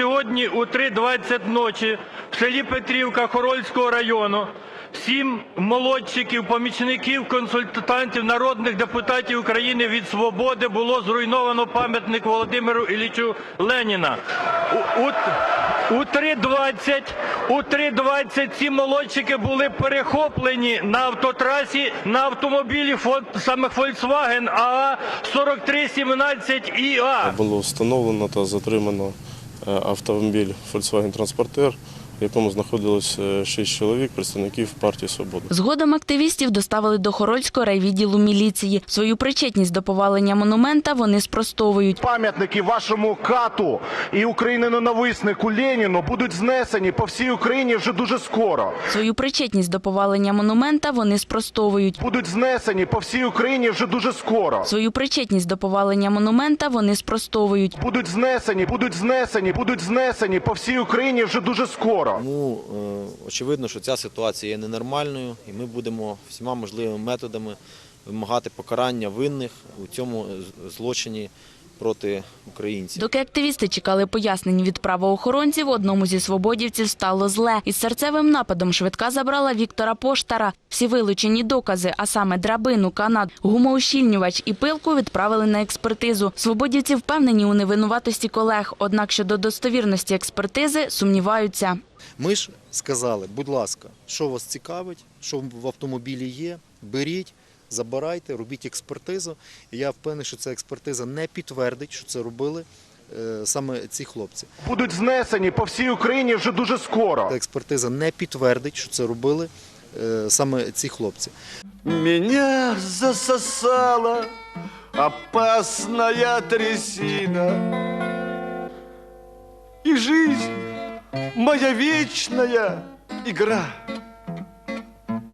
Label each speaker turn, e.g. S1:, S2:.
S1: сьогодні у 3:20 ночі в селі Петрівка Хорольського району 7 молодчиків, помічників, консультантів, народних депутатів України від «Свободи» було зруйновано пам'ятник Володимиру Іллічу Леніна. У 3:20 ці молодчики були перехоплені на автотрасі на автомобілі саме Volkswagen АА-4317ІА.
S2: Було встановлено та затримано автомобіль Volkswagen Transporter, в якому знаходилось 6 чоловік, представників партії «Свобода». Згодом
S3: активістів доставили до Хорольського райвідділу міліції. Свою причетність до повалення монумента вони спростовують.
S4: Пам'ятники вашому кату і україноненависнику Леніну будуть знесені по всій Україні вже дуже скоро.
S3: Свою причетність до повалення монумента вони спростовують.
S4: Будуть знесені по всій Україні вже дуже скоро.
S3: Свою причетність до повалення монумента вони спростовують.
S4: Будуть знесені по всій Україні вже дуже скоро.
S5: Тому очевидно, що ця ситуація є ненормальною, і ми будемо всіма можливими методами вимагати покарання винних у цьому злочині проти українців.
S3: Доки активісти чекали пояснень від правоохоронців, одному зі свободівців стало зле. Із серцевим нападом швидка забрала Віктора Поштара. Всі вилучені докази, а саме драбину, канат, гумоущільнювач і пилку відправили на експертизу. Свободівці впевнені у невинуватості колег, однак щодо достовірності експертизи сумніваються.
S6: Ми ж сказали, будь ласка, що вас цікавить, що в автомобілі є, беріть, забирайте, робіть експертизу. І я впевнений, що ця експертиза не підтвердить, що це робили саме ці хлопці.
S4: Будуть знесені по всій Україні вже дуже скоро.
S6: Ця експертиза не підтвердить, що це робили саме ці хлопці.
S7: Меня засосала опасная трясина, и жизнь моя вечная игра.